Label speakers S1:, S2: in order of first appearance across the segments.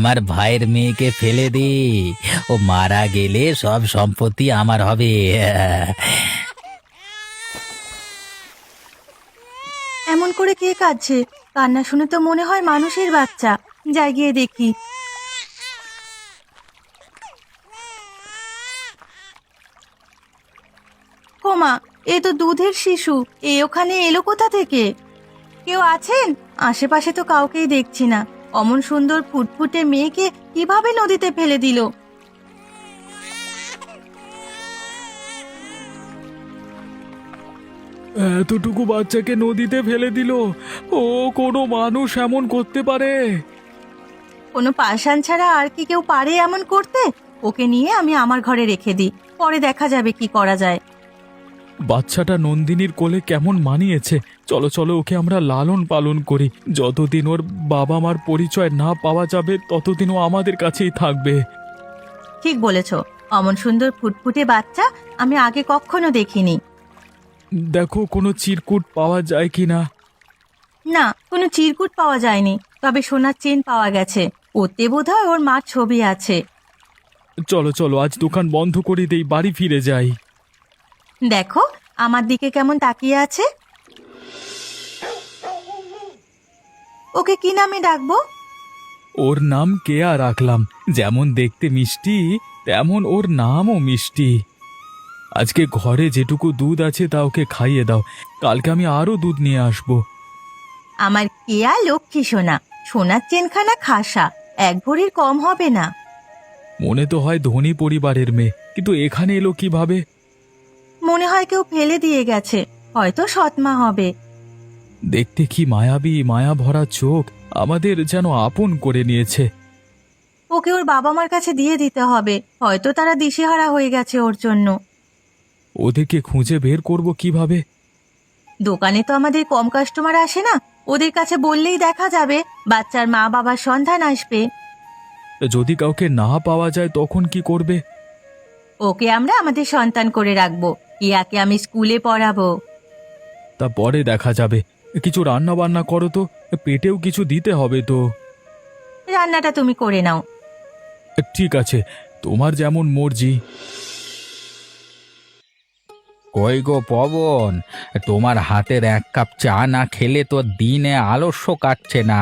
S1: আমার ভাইয়ের মেয়েকে ফেলে দে। ও মারা গেলে সব সম্পত্তি আমার হবে।
S2: এমন করে কে কাঁদছে? কান্না শুনে তো মনে হয় মানুষের বাচ্চা। যাই গিয়ে দেখি। ওমা, এ তো দুধের শিশু। ওখানে এলো কোথা থেকে? কেউ আছেন? আশেপাশে তো কাউকেই দেখছি না। অমন সুন্দর ফুটফুটে মেয়েকে কিভাবে নদীতে ফেলে দিল?
S3: এতটুকু বাচ্চাকে নদীতে ফেলে দিল? ও কোনো মানুষ এমন করতে পারে?
S2: কোনো পাষাণ ছাড়া আর কি কেউ পারে এমন করতে? ওকে নিয়ে আমি আমার ঘরে রেখে দিই, পরে দেখা যাবে কি করা যায়।
S3: বাচ্চাটা নন্দিনীর কোলে কেমন মানিয়েছে। চলো চলো, ওকে আমরা লালন পালন করি। যতদিন ওর বাবা মার পরিচয় না পাওয়া যাবে ততদিন ও আমাদের কাছেই থাকবে।
S2: ঠিক বলেছ। অমন সুন্দর ফুটফুটে বাচ্চা আমি আগে কখনো দেখিনি।
S3: দেখো কোনো চিরকুট পাওয়া যায় কিনা।
S2: না, কোনো চিরকুট পাওয়া যায়নি, তবে সোনার চেন পাওয়া গেছে। ওতে বোধহয় ওর মার ছবি আছে।
S3: চলো চলো, আজ দোকান বন্ধ করে দেই, বাড়ি ফিরে যাই।
S2: দেখো আমার দিকে কেমন তাকিয়ে আছে। ওকে কি নামে ডাকবো?
S3: ওর নাম কেয়া রাখলাম। যেমন দেখতে মিষ্টি, তেমন ওর নামও মিষ্টি। আজকে ঘরে যেটুকু দুধ আছে তা ওকে খাইয়ে দাও। কালকে আমি আরো দুধ নিয়ে আসবো।
S2: আমার কেয়া লক্ষ্মী সোনা। সোনার চেনখানা খাসা, এক ভরির কম হবে না।
S3: মনে তো হয় ধনী পরিবারের মেয়ে, কিন্তু এখানে এলো কিভাবে?
S2: মনে হয় কেউ ফেলে দিয়ে গেছে, হয়তো সৎমা হবে।
S3: দেখতে কি মায়াবী, মায়া ভরা চোখ, আমাদের যেন আপন করে নিয়েছে।
S2: ওকে ওর বাবা মার কাছে দিয়ে দিতে হবে, হয়তো তারা দিশেহারা হয়ে গেছে ওর জন্য।
S3: ওদেরকে খুঁজে বের করব কিভাবে?
S2: দোকানে তো আমাদের কম কাস্টমার আসে না, ওদের কাছে বললেই দেখা যাবে, বাচ্চার মা বাবার সন্ধান আসবে।
S3: যদি কাউকে না পাওয়া যায় তখন কি করবে?
S2: ওকে আমরা আমাদের সন্তান করে রাখবো। ইয়াকে আমি স্কুলে পড়াবো।
S3: তা পরে দেখা যাবে। কিছু রান্না বান্না করো তো, পেটেও কিছু দিতে হবে তো।
S2: রান্নাটা তুমি করে নাও।
S3: ঠিক আছে, তোমার যেমন মর্জি।
S1: কই গো পবন, তোমার হাতের এক কাপ চা না খেলে তো দিনে আলস্য কাটছে না।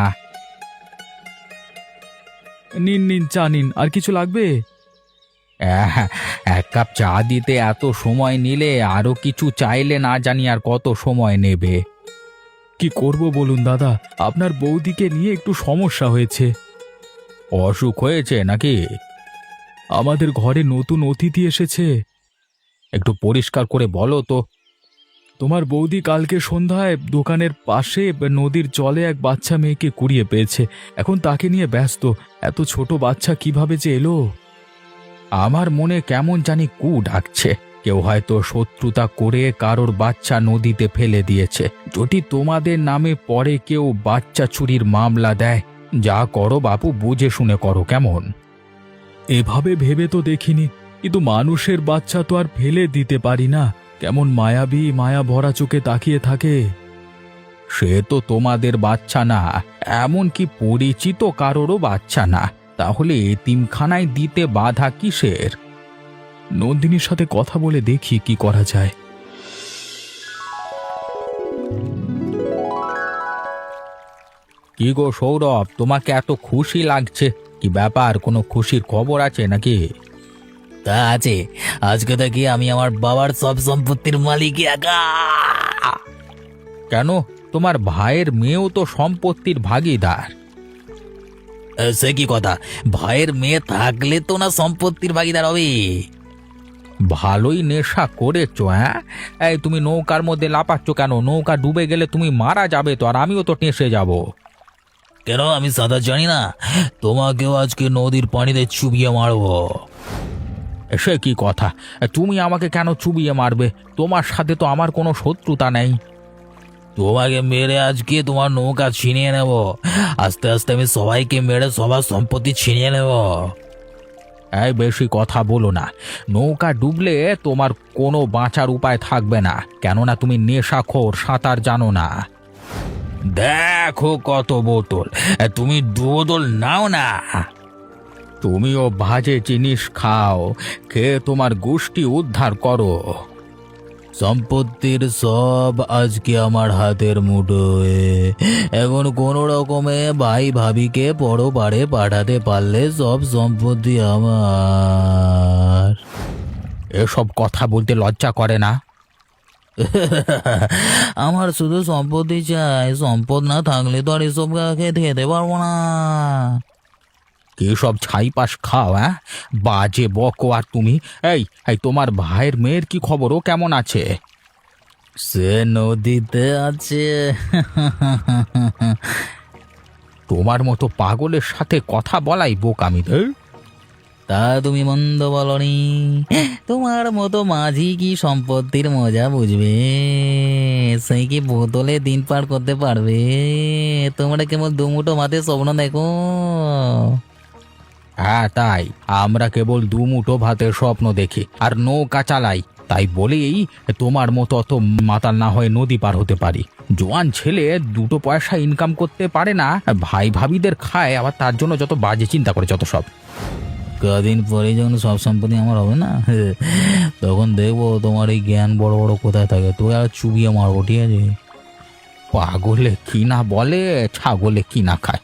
S3: নিন নিন, চা নিন। আর কিছু লাগবে?
S1: আহ, এক কাপ চা দিতে এত সময় নিলে আরো কিছু চাইলে না জানি আর কত সময় নেবে।
S3: কি করব বলুন দাদা, আপনার বৌদিকে নিয়ে একটু সমস্যা হয়েছে।
S1: অসুখ হয়েছে নাকি?
S3: আমাদের ঘরে নতুন অতিথি এসেছে।
S1: একটু পরিষ্কার করে বলো তো।
S3: তোমার বৌদি কালকে সন্ধ্যায় দোকানের পাশে নদীর জলে এক বাচ্চা মেয়েকে কুড়িয়ে পেয়েছে। এখন তাকে নিয়ে ব্যস্ত। এত ছোট বাচ্চা কিভাবে যে এলো?
S1: আমার মনে কেমন জানি কু ডাকছে। কেউ হয়তো শত্রুতা করে কারোর বাচ্চা নদীতে ফেলে দিয়েছে। যদি তোমাদের নামে পরে কেউ বাচ্চা চুরির মামলা দেয়, যা করো বাপু বুঝে শুনে করো, কেমন?
S3: এভাবে ভেবে তো দেখিনি, কিন্তু মানুষের বাচ্চা তো আর ফেলে দিতে পারি না। কেমন মায়াবী, মায়া ভরা চোখে তাকিয়ে থাকে।
S1: সে তো তোমাদের বাচ্চা না, এমনকি পরিচিত কারোরও বাচ্চা না, তাহলে এতিমখানায় দিতে বাধা কিসের?
S3: নন্দিনীর সাথে কথা বলে দেখি কি করা যায়।
S1: কি গো সৌরভ, তোমাকে এত খুশি লাগছে, কি ব্যাপার? কোনো খুশির খবর আছে নাকি? তা আছে, আজকে থেকে আমি আমার বাবার সব সম্পত্তির মালিক একা। কেন, তোমার ভাইয়ের মেয়েও তো সম্পত্তির ভাগীদার। সে কি কথা? ভাইয়ের মেয়ে থাকলে তো না সম্পত্তির ভাগীদার হবে। ভালোই নেশা করেছো, হ্যাঁ? এই তুমি নৌকার মধ্যে লাফাচ্ছ কেন? নৌকা ডুবে গেলে তুমি মারা যাবে তো, আর আমিও তো টেসে যাব। কেন, আমি সাঁতার জানি না? তোমাকেও আজকে নদীর পানিতে চুবিয়ে মারবো। সে কি কথা? তুমি আমাকে কেন চুবিয়ে মারবে? তোমার সাথে তো আমার কোনো শত্রুতা নেই। তোমাকে মেরে আজকে তোমার নৌকা ছিনিয়ে নেব। আস্তে আস্তে আমি সবাইকে মেরে সবার সম্পত্তি ছিনিয়ে নেব। এই বেশি কথা বলো না। নৌকা ডুবলে তোমার কোনো বাঁচার উপায় থাকবে না, কেননা তুমি নেশাখোর, সাঁতার জানো না। দেখো কত বোতল, তুমি 2 বোতল নাও না। তুমিও বাজে জিনিস খাও, খেয়ে তোমার গোষ্ঠী উদ্ধার করো। সম্পত্তির সব আজকে আমার হাতের মুঠোয়। এখন কোনো রকমে ভাই ভাবিকে পরপারে পাঠাতে পারলে সব সম্পত্তি আমার। এসব কথা বলতে লজ্জা করে না? আমার শুধু সম্পত্তি চাই, সম্পদ না থাকলে তো আর এসব খেতে পারবো না। কি সব ছাইপাশ খাও? বাজে বকো। আর তুমি, এই এই তোমার ভাইয়ের মেয়ের কি খবর? ও কেমন আছে? সে নদীতে আছে। তোমার মতো পাগলের সাথে কথা বলাই বোকামি। তা তুমি মন্দ বলনি। তোমার মতো মাঝি কি সম্পত্তির মজা বুঝবে? সেই কি বোতলে দিন পার করতে পারবে? তোমরা কেবল দুমুটো ভাতের স্বপ্ন দেখো। হ্যাঁ তাই, আমরা কেবল দুমুঠো ভাতের স্বপ্ন দেখি আর নৌকা চালাই। তাই বলেই তোমার মতো অত মাতাল না হয়ে নদী পার হতে পারি। জোয়ান ছেলে দুটো পয়সা ইনকাম করতে পারে না, ভাই ভাবিদের খায়, আবার তার জন্য যত বাজে চিন্তা করে যত সব। কদিন পরে যখন সব সম্পত্তি আমার হবে না, তখন দেখবো তোমার এই জ্ঞান বড় বড় কোথায় থাকে। তুই আর চুবিয়ে মারবো, ঠিক আছে? পাগলে কি না বলে, ছাগলে কি না খায়।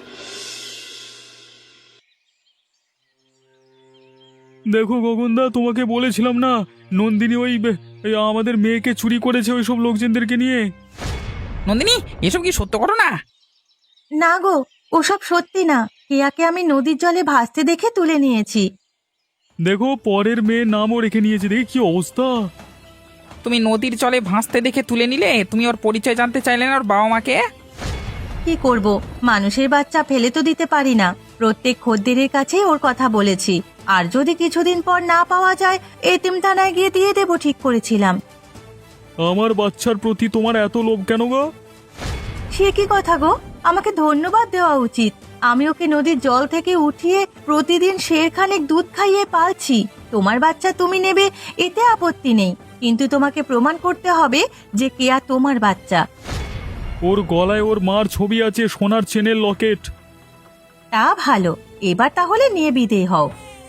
S3: দেখো গগনদা, তোমাকে বলেছিলাম না নন্দিনী ওই আমাদের মেয়েকে চুরি করেছে ওই সব লোকজনদেরকে নিয়ে।
S1: নন্দিনী, এসব কি সত্য ঘটনা?
S2: না গো, ওসব সত্যি না। কেয়াকে আমি নদীর জলে ভাসতে দেখে তুলে নিয়েছি।
S3: দেখো, পরের মেয়ের নামও রেখে নিয়েছে, দেখি কি অবস্থা।
S4: তুমি নদীর জলে ভাসতে দেখে তুলে নিলে? তুমি ওর পরিচয় জানতে চাইলে না ওর বাবা মাকে?
S2: কি করব, মানুষের বাচ্চা ফেলে তো দিতে পারি না। প্রত্যেক খদ্দেরের কাছেই ওর কথা বলেছি। আর যদি কিছুদিন পর না পাওয়া যায়, এতিমখানায় গিয়ে দিয়ে দেবো ঠিক করেছিলাম।
S3: আমার বাচ্চার প্রতি তোমার এত লোভ কেন গো?
S2: সে কি কথা গো? আমাকে ধন্যবাদ দেওয়া উচিত। আমি ওকে নদীর জল থেকে উঠিয়ে প্রতিদিন শেরখানেক দুধ খাইয়ে পালছি। তোমার বাচ্চা তুমি নেবে, এতে আপত্তি নেই, কিন্তু তোমাকে প্রমাণ করতে হবে যে কেয়া তোমার বাচ্চা।
S3: ওর গলায় ওর মার ছবি আছে, সোনার চেনের লকেট।
S2: তা ভালো, এবার তাহলে নিয়ে বিদেয় হও।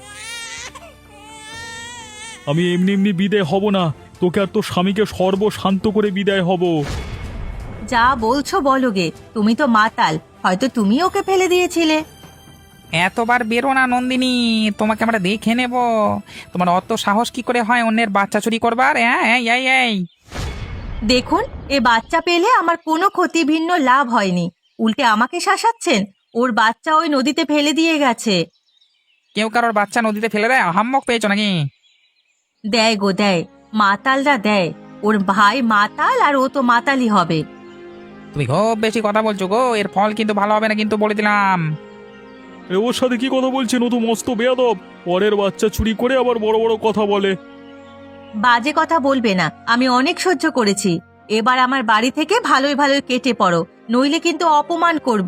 S3: আমি এমনি এমনি বিদায় হব না, তোকে আর তোর স্বামীকে সর্বশান্ত করে বিদায় হব।
S2: যা বলছো বলো গে, তুমি তো মাতাল, হয়তো তুমি ওকে ফেলে দিয়েছিলে।
S4: এতবার বেরো না নন্দিনী, তোমাকে আমরা দেখে নেব। তোমার অত সাহস কি করে হয় অন্যের বাচ্চা চুরি করবার? হ্যাঁ, এই এই এই
S2: দেখুন, এ বাচ্চা পেলে আমার কোনো ক্ষতি ভিন্ন লাভ হয়নি, উল্টে আমাকে শাসাচ্ছেন। ওর বাচ্চা ওই নদীতে ফেলে দিয়ে গেছে।
S4: কেউ কারোর বাচ্চা নদীতে ফেলে দেয়? হাম্মক পেয়েছো নাকি?
S2: দেয় গো দেয়, মাতালরা দেয়। ওর ভাই মাতাল আর ও তো মাতালই হবে।
S4: তুমি খুব বেশি কথা বলছো গো, এর ফল কিন্তু ভালো হবে না, কিন্তু বলে দিলাম।
S3: ওর সাথে কি কথা বলছেন? ও তো মস্ত বেয়াদব। পরের বাচ্চা চুরি করে আবার বড় বড় কথা বলে।
S2: বাজে কথা বলবে না, আমি অনেক সহ্য করেছি। এবার আমার বাড়ি থেকে ভালোই ভালোই কেটে পড়ো, নইলে কিন্তু অপমান করব।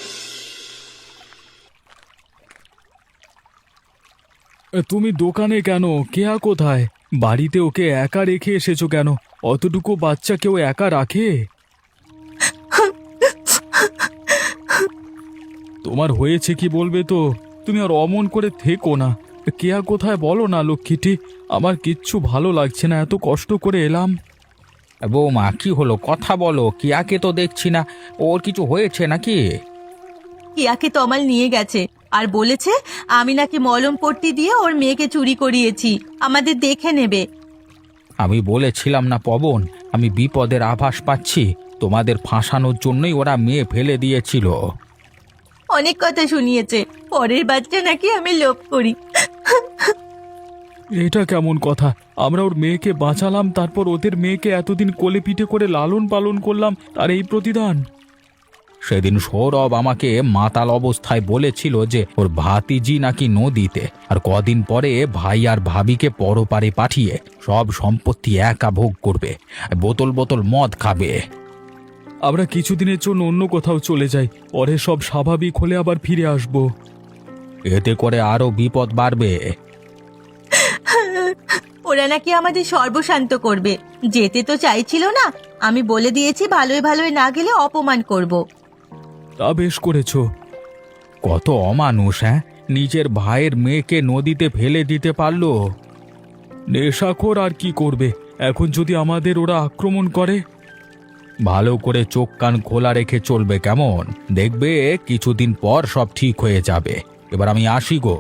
S3: তুমি দোকানে কেন? কেয়া কোথায়? বাড়িতে ওকে একা রেখে এসেছো কেন? অতটুকু বাচ্চা কেউ একা রাখে? তোমার হয়েছে কি বলবে তো? তুমি আর অমন করে থেকো না। কেয়া কোথায় বলো না লক্ষ্মীটি? আমার কিচ্ছু ভালো লাগছে না, এত কষ্ট করে এলাম।
S1: বৌমা, কি হলো? কথা বলো। কিয়াকে তো দেখছি না, ওর কিছু হয়েছে নাকি?
S2: কিয়াকে তমাল নিয়ে গেছে আর বলেছে আমি নাকি মলম পট্টি দিয়ে ওর মেয়েকে চুরি করিয়েছি, আমাদের দেখে নেবে।
S1: আমি বলেছিলাম না পবন, আমি বিপদের আভাস পাচ্ছি। তোমাদের ফাঁসানোর জন্যই ওরা মেয়ে ফেলে দিয়েছিল।
S2: অনেক কথা শুনিয়েছে, পরের বাচ্চা নাকি আমি লোভ করি।
S3: এটা কেমন কথা? আমরা ওর মেয়েকে বাঁচালাম, তারপর ওদের মেয়েকে এতদিন কোলে পিঠে করে লালন পালন করলাম, তার এই প্রতিদান?
S1: সেদিন সৌরভ আমাকে মাতাল অবস্থায় বলেছিল যে ওর ভাতিজি নাকি নদীতে, আর কদিন পরে ভাই আর ভাবিকে পরপারে পাঠিয়ে সব সম্পত্তি একা ভোগ করবে, বোতল বোতল মদ খাবে।
S3: আমরা কিছুদিনের জন্য অন্য কোথাও চলে যাই, পরে সব স্বাভাবিক হলে আবার ফিরে আসব।
S1: এতে করে আরো বিপদ বাড়বে।
S2: ওরা নাকি আমাদের সর্বশান্ত করবে। যেতে তো চাইছিল না, আমি বলে দিয়েছি ভালোই ভালোই না গেলে অপমান করব।
S3: তা বেশ করেছো।
S1: কত অমানুষ!
S3: নিজের ভাইয়ের মেয়েকে নদীতে ফেলে দিতে পারলো। নেশাখোর আর কি করবে, এখন যদি আমাদের ওরা আক্রমণ করে? ভালো করে চোখ কান খোলা রেখে চলবে, কেমন? দেখবে কিছুদিন পর সব ঠিক হয়ে যাবে। এবার আমি আসি গো।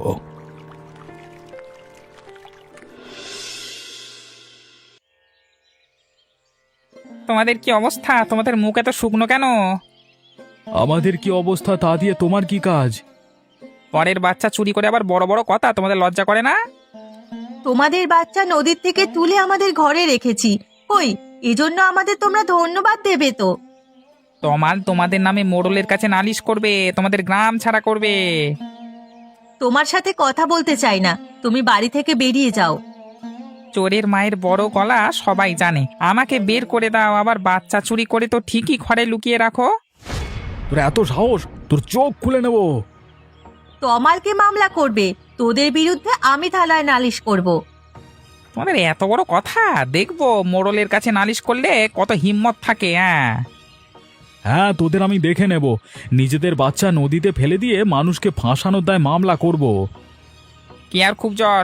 S4: তোমাদের কি অবস্থা? তোমাদের মুখ এত শুকনো কেন?
S3: আমাদের কি অবস্থা তা দিয়ে তোমার কি কাজ?
S4: পরের বাচ্চা চুরি করে আবার বড় বড় কথা, তোমাদের লজ্জা করে না?
S2: তোমাদের বাচ্চা নদীর থেকে তুলে আমাদের ঘরে রেখেছি, কই এজন্য আমাদের তোমরা ধন্যবাদ দেবে তো।
S4: তোমাদের নামে মোড়লের কাছে নালিশ করবে, তোমাদের গ্রাম ছাড়া করবে।
S2: তোমার সাথে কথা বলতে চাই না, তুমি বাড়ি থেকে বেরিয়ে যাও।
S4: চোরের মায়ের বড় গলা সবাই জানে, আমাকে বের করে দাও। আবার বাচ্চা চুরি করে তো ঠিকই ঘরে লুকিয়ে রাখো।
S3: তোর এত সাহস, তোর চোখ খুলে নেব।
S2: তমালকে মামলা করবে, তোদের বিরুদ্ধে আমি থানায় নালিশ করব।
S4: তোমাদের এত বড় কথা, দেখবো মোড়লের কাছে নালিশ করলে কত হিম্মত থাকে।
S3: হ্যাঁ, তোদের আমি দেখে নেব। নিজেদের বাচ্চা নদীতে ফেলে দিয়ে মানুষকে ফাঁসানোর দায় মামলা করব।
S4: কি আর খুব জ্বর?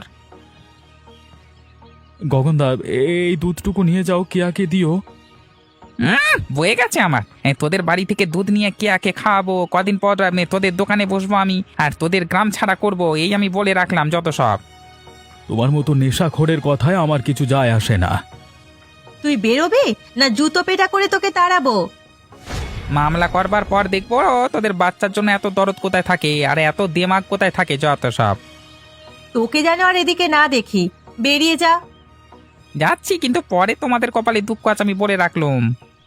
S3: গগনদা, এই দুধটুকু নিয়ে যাও, কেয়াকে দিও।
S4: বয়ে গেছে আমার। তোদের বাড়ি থেকে দুধ নিয়ে কে খাওয়াবো? কদিন পর তোদের দোকানে বসবো আমি, আর তোদের গ্রাম ছাড়া করব, এই আমি বলে রাখলাম যত সব।
S3: তোমার মতো নেশাখোরের কথায় আমার কিছু যায় আসে না।
S2: তুই বেরোবি না জুতো পেটা করে তোকে তাড়াবো?
S4: মামলা করবার পর দেখবো তোদের বাচ্চার জন্য এত দরদ কোথায় থাকে আর এত দেমাগ কোথায় থাকে, যত সব।
S2: তোকে যেন আর এদিকে না দেখি, বেরিয়ে যা।
S4: যাচ্ছি, কিন্তু পরে তোমাদের কপালে দুঃখ আছে আমি বলে রাখলুম।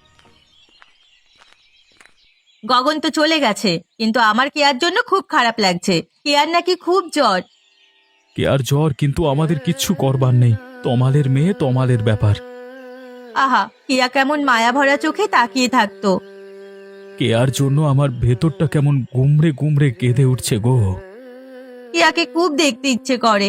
S2: গগন তো চলে গেছে, কিন্তু আমার কেয়ার জন্য খুব খারাপ লাগছে। কেয়ার নাকি খুব জ্বর।
S3: কেয়ার জ্বর, কিন্তু আমাদের কিচ্ছু করবার নেই। তমালের মেয়ে, তমালের ব্যাপার।
S2: আহা, কেয়া কেমন মায়া ভরা চোখে তাকিয়ে থাকতো।
S3: কেয়ার জন্য আমার ভেতরটা কেমন গুমড়ে গুমড়ে কেঁদে উঠছে গো।
S2: কেয়াকে খুব দেখতে ইচ্ছে করে।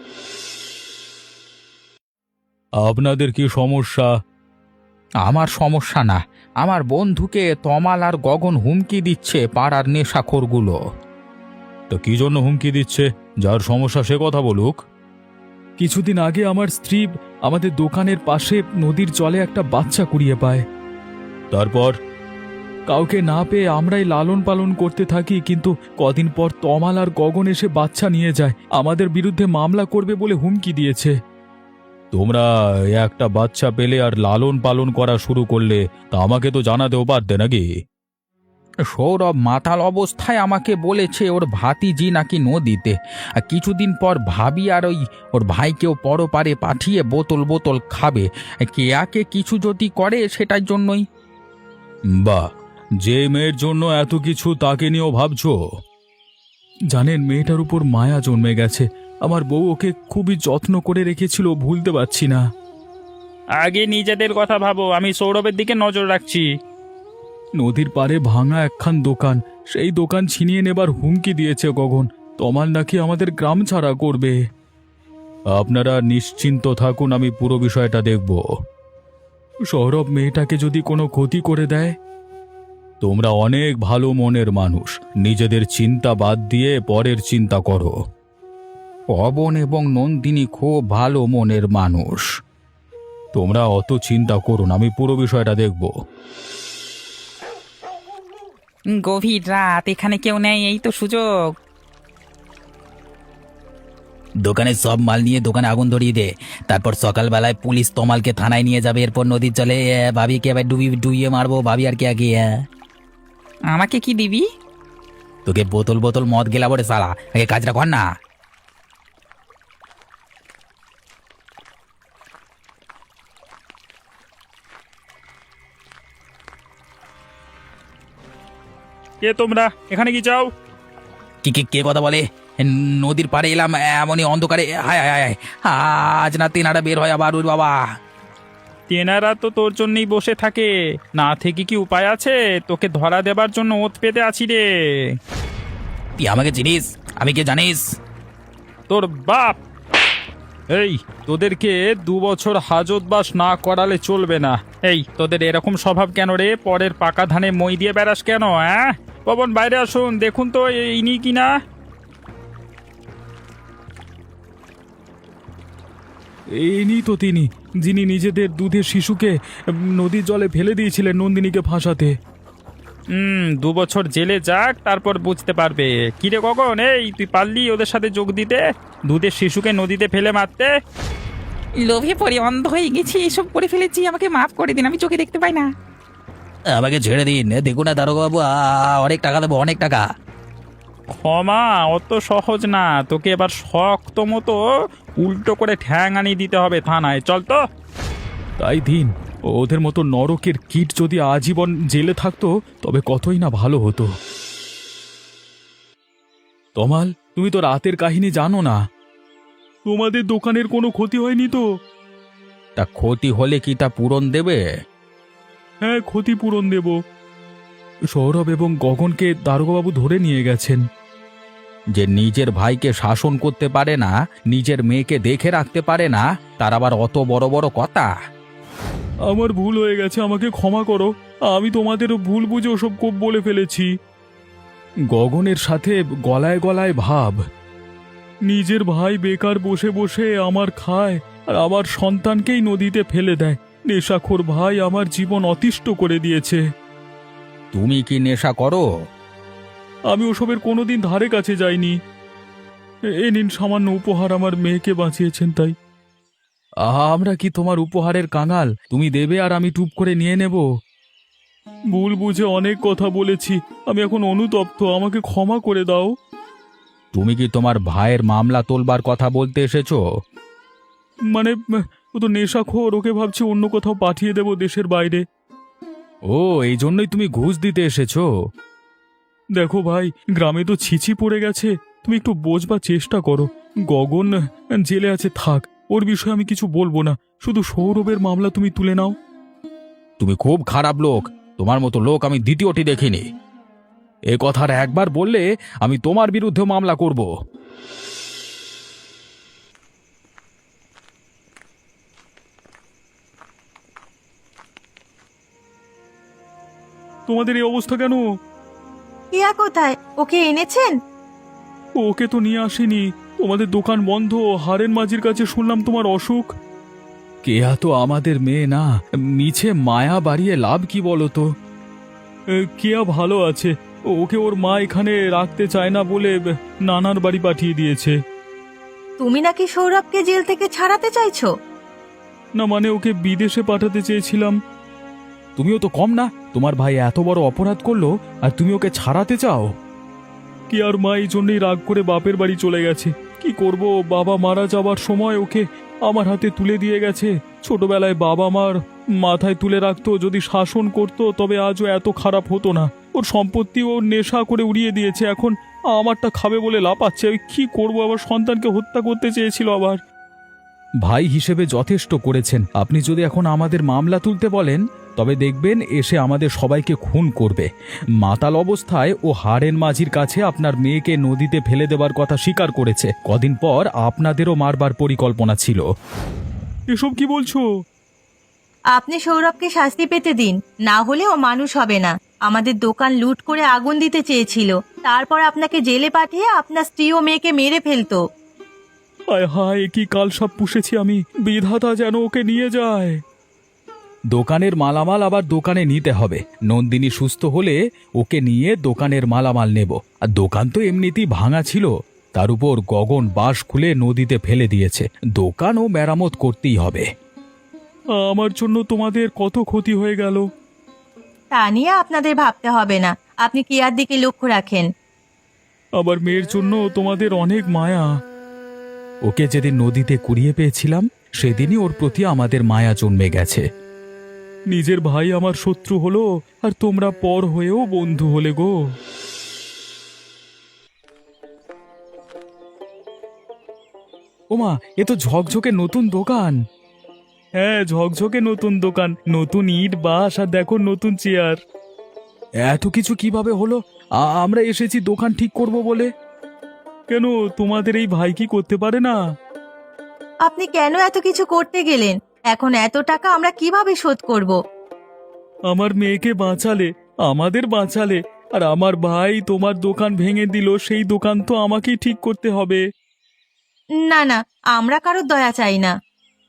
S3: আপনাদের কি সমস্যা?
S1: আমার সমস্যা না, আমার বন্ধুকে তমাল আর গগন হুমকি দিচ্ছে, পাড়ার নেশাখোরগুলো।
S3: তো কি জন্য হুমকি দিচ্ছে? যার সমস্যা সে কথা বলুক। কিছুদিন আগে আমার স্ত্রী আমাদের দোকানের পাশে নদীর জলে একটা বাচ্চা কুড়িয়ে পায়। তারপর কাউকে না পেয়ে আমরাই লালন পালন করতে থাকি, কিন্তু কদিন পর তমাল আর গগন এসে বাচ্চা নিয়ে যায়। আমাদের বিরুদ্ধে মামলা করবে বলে হুমকি দিয়েছে। তোমরা একটা বাচ্চা পেলে আর লালন পালন করা শুরু করলে, তা আমাকে তো জানাতেও পারতে নাকি?
S1: সৌরভ মাতাল অবস্থায় আমাকে বলেছে ওর ভাতিজি নাকি নদীতে, আর কিছুদিন পর ভাবি আর ওর ভাইকেও পরপারে পাঠিয়ে বোতল বোতল খাবে। কেয়াকে কিছু যদি করে সেটার জন্যই।
S3: বাহ, যে মেয়ের জন্য এত কিছু তাকে নিয়েও ভাবছো। জানেন, মেয়েটার উপর মায়া জন্মে গেছে। আমার বউ ওকে খুবই যত্ন করে রেখেছিল, ভুলতে পারছি না।
S4: আগে নিজেদের কথা ভাবো, আমি সৌরভের দিকে নজর রাখছি।
S3: নদীর পাড়ে ভাঙা একখান দোকান, সেই দোকান ছিনিয়ে নেবার হুমকি দিয়েছে গগন। তমাল নাকি আমাদের গ্রাম ছাড়া করবে। আপনারা নিশ্চিন্ত থাকুন, আমি পুরো বিষয়টা দেখব। সৌরভ মেয়েটাকে যদি কোনো ক্ষতি করে দেয়? তোমরা অনেক ভালো মনের মানুষ, নিজেদের চিন্তা বাদ দিয়ে পরের চিন্তা করো।
S1: পবন এবং নন্দিনী খুব ভালো মনের মানুষ।
S3: তোমরা অত চিন্তা করুন, আমি পুরো বিষয়টা দেখব।
S4: গভীর রাত, এখানে কেউ নেই, এই তো সুযোগ।
S1: দোকানে সব মাল নিয়ে দোকানে আগুন ধরিয়ে দে, তারপর সকালবেলায় পুলিশ তমালকে থানায় নিয়ে যাবে। এরপর নদীর জলে ভাবিকে আবার ডুবিয়ে মারবো, ভাবি আর কে আগে।
S4: আমাকে কি দিবি?
S1: তোকে বোতল বোতল মদ গেলাবো রে সালা, আগে কাজটা কর না।
S4: কে তোমরা? এখানে কি চাও?
S1: কে কথা বলে? নদীর পাড়ে এলাম এমনই অন্ধকারে। হায় হায় হায়, আজ না তেনারা বের হয় আবার। ওর বাবা,
S4: তেনারা তো তোর জন্যই বসে থাকে, না থেকে কি উপায় আছে? তোকে ধরা দেবার জন্য ওত পেতে আছি রে।
S1: তুই আমাকে চিনিস? আমি কে জানিস?
S4: তোর বাপ। এই, তোদেরকে 2 বছর হাজতবাস না করালে চলবে না। এই, তোদের এরকম স্বভাব কেন রে? পরের পাকা ধানে মই দিয়ে বেড়াস কেন? পবন, বাইরে আসুন, দেখুন তো ইনি কিনা।
S3: ইনি তো তিনি, যিনি নিজেদের দুধের শিশুকে নদীর জলে ফেলে দিয়েছিলেন নন্দিনীকে ফাঁসাতে।
S4: 2 বছর জেলে যাক, তারপর বুঝতে পারবে। কিরে গগন, এই তুই পারলি ওদের সাথে যোগ দিতে, দুধের শিশুকে নদীতে ফেলে মারতে?
S5: লোভে পড়ে অন্ধ হয়ে গেছি, এসব করে ফেলেছি, আমাকে মাফ করে দিন, আমি চোখে দেখতে পাই না।
S1: আমাকে ছেড়ে দিন, দেখুন না দারোগা বাবু, অনেক টাকা দেবো, অনেক টাকা।
S4: ক্ষমা অত সহজ না, তোকে এবার শক্ত মতো উল্টো করে ঠ্যাং আনিয়ে দিতে হবে থানায়। চল তো।
S3: তাই দিন, ওদের মতো নরকের কীট যদি আজীবন জেলে থাকতো তবে কতই না ভালো হতো। তমাল, তুমি তো রাতের কাহিনী জানো না। তোমাদের দোকানের কোনো ক্ষতি হয়নি তো?
S1: তা ক্ষতি হলে কি তা পূরণ দেবে?
S3: হ্যাঁ, ক্ষতিপূরণ দেব। সৌরভ এবং গগনকে দারোগাবাবু ধরে নিয়ে গেছেন।
S1: যে নিজের ভাইকে শাসন করতে পারে না, নিজের মেয়েকে দেখে রাখতে পারে না, তার আবার অত বড় বড় কথা?
S3: আমার ভুল হয়ে গেছে, আমাকে ক্ষমা করো। আমি তোমাদেরও ভুল বুঝে ওসব কোপ বলে ফেলেছি। গগনের সাথে গলায় গলায় ভাব। নিজের ভাই বেকার বসে বসে আমার খায় আর আমার সন্তানকেই নদীতে ফেলে দেয়। নেশাখোর ভাই আমার জীবন অতিষ্ঠ করে দিয়েছে।
S1: তুমি কি নেশা করো?
S3: আমি ওসবের কোনোদিন ধারে কাছে যাইনি। এ নিন সামান্য উপহার, আমার মেয়েকে বাঁচিয়েছেন তাই। আমরা কি তোমার উপহারের কাঙাল? তুমি দেবে আর আমি টুপ করে নিয়ে নেব? ভুল বুঝে অনেক কথা বলেছি, আমি এখন অনুতপ্ত, আমাকে ক্ষমা করে দাও।
S1: তুমি কি তোমার ভাইয়ের মামলা তোলবার কথা বলতে এসেছো?
S3: মানে ও তো নেশাখোর, ওকে ভাবছি অন্য কোথাও পাঠিয়ে দেব দেশের বাইরে। ও, এই জন্যই তুমি ঘুষ দিতে এসেছো? দেখো ভাই, গ্রামে তো ছিছি পড়ে গেছে, তুমি একটু বোঝবার চেষ্টা করো। গগন জেলে আছে, থাক, ওর বিষয়ে আমি কিছু বলবো না, শুধু সৌরভের মামলা তুমি তুলে নাও।
S1: তুমি খুব খারাপ লোক, তোমার মতো লোক আমি দ্বিতীয়টি দেখিনি। এ কথার একবার বললে আমি তোমার বিরুদ্ধে মামলা করব।
S3: তোমাদের এই অবস্থা কেন?
S2: কেয়া কোথায়? ওকে এনেছেন?
S3: ওকে তো নিয়ে আসিনি, তোমাদের দোকান বন্ধ। হারেন মাঝির কাছে শুনলাম তোমার অসুখ। কেয়া তো আমাদের মেয়ে না, মিছে মায়া বাড়িয়ে লাভ কি বলো তো? কেয়া ভালো আছে, ওকে ওর মা এখানে রাখতে চায় না বলে নানার বাড়ি পাঠিয়ে দিয়েছে।
S2: তুমি নাকি সৌরভকে জেল থেকে ছাড়াতে চাইছো?
S3: না মানে ওকে বিদেশে পাঠাতে চেয়েছিলাম। তুমিও তো কম না, তোমার ভাই এত বড় অপরাধ করলো আর তুমি ওকে ছাড়াতে চাও? কি আর মা এই জন্যই রাগ করে বাপের বাড়ি চলে গেছে। কি করব, বাবা মারা যাবার সময় ওকে আমার হাতে তুলে দিয়ে গেছে। ছোটবেলায় বাবা মার মাথায় তুলে রাখতো, যদি শাসন করতো তবে আজও এত খারাপ হতো না। ওর সম্পত্তি ও নেশা করে উড়িয়ে দিয়েছে, এখন আমারটা খাবে বলে লাপাচ্ছে। আমি কি করব, আবার সন্তানকে হত্যা করতে চেয়েছিল আবার। ভাই হিসেবে যথেষ্ট করেছেন, আপনি যদি এখন আমাদের মামলা তুলতে বলেন তবে দেখবেন এসে আমাদের সবাইকে খুন করবে। মাতাল অবস্থায় ও হারেন মাঝির কাছে আপনার মেয়েকে নদীতে ফেলে দেবার কথা স্বীকার করেছে। কদিন পর আপনাদেরও মারবার পরিকল্পনা ছিল। এসব কি বলছো?
S2: আপনি সৌরভকে শাস্তি পেতে দিন, না হলে ও মানুষ হবে না। আমাদের দোকান লুট করে আগুন দিতে চেয়েছিল, তারপর আপনাকে জেলে পাঠিয়ে আপনার স্ত্রী ও মেয়েকে মেরে ফেলতো।
S3: হায় হায়, কি কালসাপ পুষেছি আমি, বিধাতা যেন ওকে নিয়ে যায়। দোকানের মালামাল আবার দোকানে নিতে হবে। নন্দিনী সুস্থ হলে ওকে নিয়ে দোকানের মালামাল নেব। আর দোকান তো এমনিতেই ভাঙা ছিল, তার উপর গগন বাঁশ খুলে নদীতে ফেলে দিয়েছে, দোকানও মেরামত করতেই হবে। আমার জন্য তোমাদের কত ক্ষতি হয়ে গেল।
S2: তা নিয়ে আপনাদের ভাবতে হবে না, আপনি কেয়ার দিকে লক্ষ্য রাখেন।
S3: আবার মেয়ের জন্য তোমাদের অনেক মায়া। ওকে যেদিন নদীতে কুড়িয়ে পেয়েছিলাম সেদিনই ওর প্রতি আমাদের মায়া জন্মে গেছে। নিজের ভাই আমার শত্রু হলো আর তোমরা পর হয়েও বন্ধু হলে গো। ওমা, এ তো ঝকঝকে নতুন দোকান। হ্যাঁ, ঝকঝকে নতুন দোকান, নতুন ইট বাস আর দেখো নতুন চেয়ার। এত কিছু কিভাবে হলো? আমরা এসেছি দোকান ঠিক করব বলে। কেন, তোমাদের এই ভাই কি করতে পারে না?
S2: আপনি কেন এত কিছু করতে গেলেন? এখন এত টাকা আমরা কিভাবে শোধ করব?
S3: আমার মেয়েকে বাঁচালে, আমাদের বাঁচালে, আর আমার ভাই তোমার দোকান ভেঙে দিল, সেই দোকান তো আমাকেই ঠিক করতে হবে।
S2: না না, আমরা কারোর দয়া চাই না।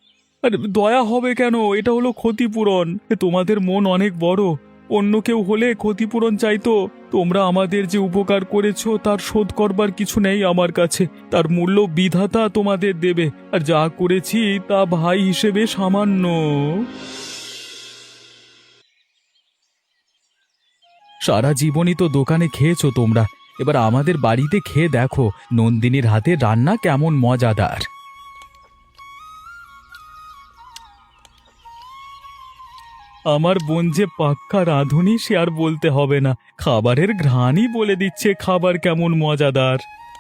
S3: আরে দয়া হবে কেন? এটা হলো ক্ষতিপূরণ। তোমাদের মন অনেক বড়। অন্য কেউ হলে ক্ষতিপূরণ চাইতো। তোমরা আমাদের যে উপকার করেছো তার শোধ করবার কিছু নেই আমার কাছে। তার মূল্য বিধাতা তোমাদের দেবে। আর যা করেছি তা ভাই হিসেবে সামান্য। সারা জীবনই তো দোকানে খেয়েছো তোমরা, এবার আমাদের বাড়িতে খেয়ে দেখো নন্দিনীর হাতে রান্না কেমন মজাদার। আমার বোন যে পাক্কা রাঁধুনি সে আর বলতে হবে না। খাবারের ঘ্রাণই বলে দিচ্ছে খাবার কেমন মজাদার।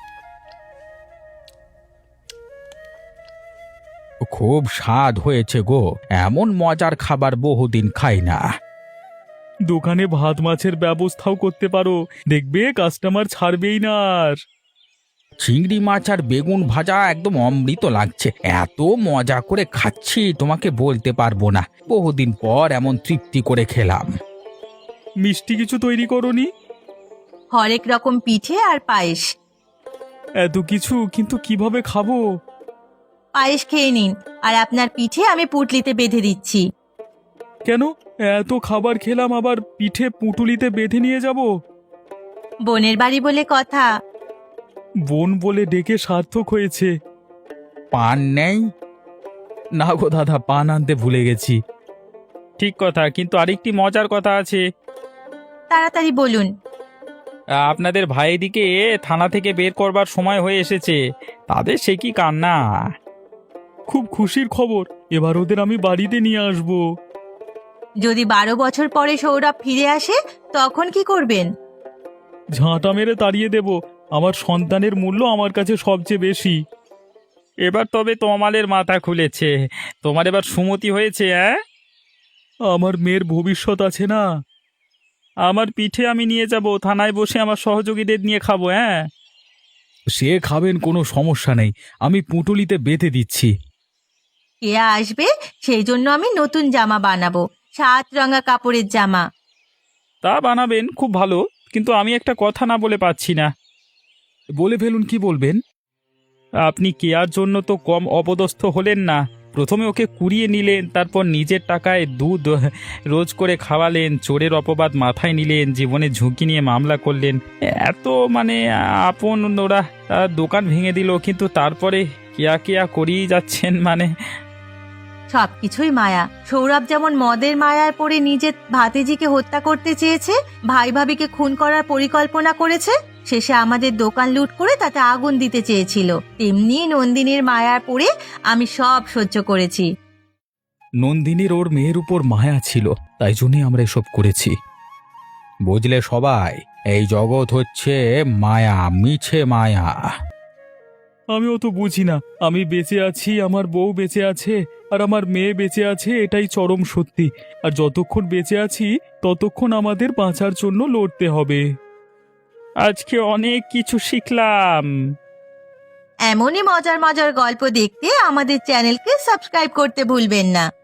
S1: খুব স্বাদ হয়েছে গো, এমন মজার খাবার বহুদিন খাই না।
S3: দোকানে ভাত মাছের ব্যবস্থাও করতে পারো, দেখবে কাস্টমার ছাড়বেই না আর।
S1: চিংড়ি মাছ আর বেগুন ভাজা একদম অমৃত লাগছে, এত মজা করে খাচ্ছি তোমাকে বলতে পারবো না। বহুদিন পর এমন তৃপ্তি করে খেলাম।
S3: মিষ্টি কিছু তৈরি করনি?
S2: হরেক রকম পিঠে আর পায়েস।
S3: এত কিছু কিন্তু কিভাবে খাবো?
S2: পায়েস খেয়ে নিন, আর আপনার পিঠে আমি পুঁটলিতে বেঁধে দিচ্ছি।
S3: কেন? এত খাবার খেলাম আবার পিঠে পুঁটুলিতে বেঁধে নিয়ে যাব?
S2: বোনের বাড়ি বলে কথা।
S3: বোন বলে ডেকে সার্থক হয়েছে।
S1: পান নেই?
S3: না গো দাদা, পান আনতে ভুলে গেছি।
S4: ঠিক কথা, কিন্তু আরেকটি মজার কথা আছে।
S2: তাড়াতাড়ি বলুন।
S4: আপনাদের ভাইদিকে থানা থেকে বের করবার সময় হয়ে এসেছে। তাদের সে কি কান্না!
S3: খুব খুশির খবর, এবার ওদের আমি বাড়িতে নিয়ে আসব।
S2: যদি 12 বছর পরে সৌরভ ফিরে আসে তখন কি করবেন?
S3: ঝাঁটা মেরে তাড়িয়ে দেব। আমার সন্তানের মূল্য আমার কাছে সবচেয়ে বেশি।
S4: এবার তবে তমালের মাথা খুলেছে। তোমার এবার সুমতি হয়েছে, হ্যাঁ?
S3: আমার মেয়ের ভবিষ্যৎ আছে না।
S4: আমার পিঠে আমি নিয়ে যাব, থানায় বসে আমার সহযোগীদের নিয়ে খাবো, হ্যাঁ?
S3: সে খাবেন, কোনো সমস্যা নেই, আমি পুঁটুলিতে বেঁধে দিচ্ছি।
S2: কে আসবে সেই জন্য আমি নতুন জামা বানাবো, 7 রঙা কাপড়ের জামা।
S4: তা বানাবেন, খুব ভালো, কিন্তু আমি একটা কথা না বলে পাচ্ছি না।
S3: বলে ফেলুন, কি বলবেন?
S4: আপনি কেয়ার জন্য তো কম অপদস্থ হলেন না। প্রথমে ওকে কুড়িয়ে নিলেন, তারপর নিজের টাকায় দুধ রোজ করে খাওয়ালেন, চোরের অপবাদ মাথায় নিলেন, জীবনে ঝুঁকি নিয়ে মামলা করলেন। এত মানে আপন ওরা দোকান ভেঙে দিল, কিন্তু তারপরে কেয়া কেয়া করিয়ে যাচ্ছেন মানে।
S2: সবকিছুই মায়া। সৌরভ যেমন মদের মায়ায় পড়ে নিজের ভাতিজিকে হত্যা করতে চেয়েছে, ভাই ভাবিকে খুন করার পরিকল্পনা করেছে, শেষে আমাদের দোকান লুট করে তাতে আগুন দিতে চেয়েছিল, তেমনি নন্দিনীর মায়ায় পড়ে আমি সব সহ্য করেছি।
S3: নন্দিনীর ওর মেয়ের উপর মায়া ছিল, তাই জন্যই আমরা এসব করেছি।
S1: বুঝলে সবাই, এই জগৎ হচ্ছে মায়া, মিছে মায়া।
S3: আমি অত বুঝি না। আমি বেঁচে আছি, আমার বউ বেঁচে আছে, আর আমার মেয়ে বেঁচে আছে, এটাই চরম সত্যি। আর যতক্ষণ বেঁচে আছি ততক্ষণ আমাদের বাঁচার জন্য লড়তে হবে।
S4: আজকে অনেক কিছু শিখলাম।
S2: এমনই মজার মজার গল্প দেখতে আমাদের চ্যানেলকে সাবস্ক্রাইব করতে ভুলবেন না।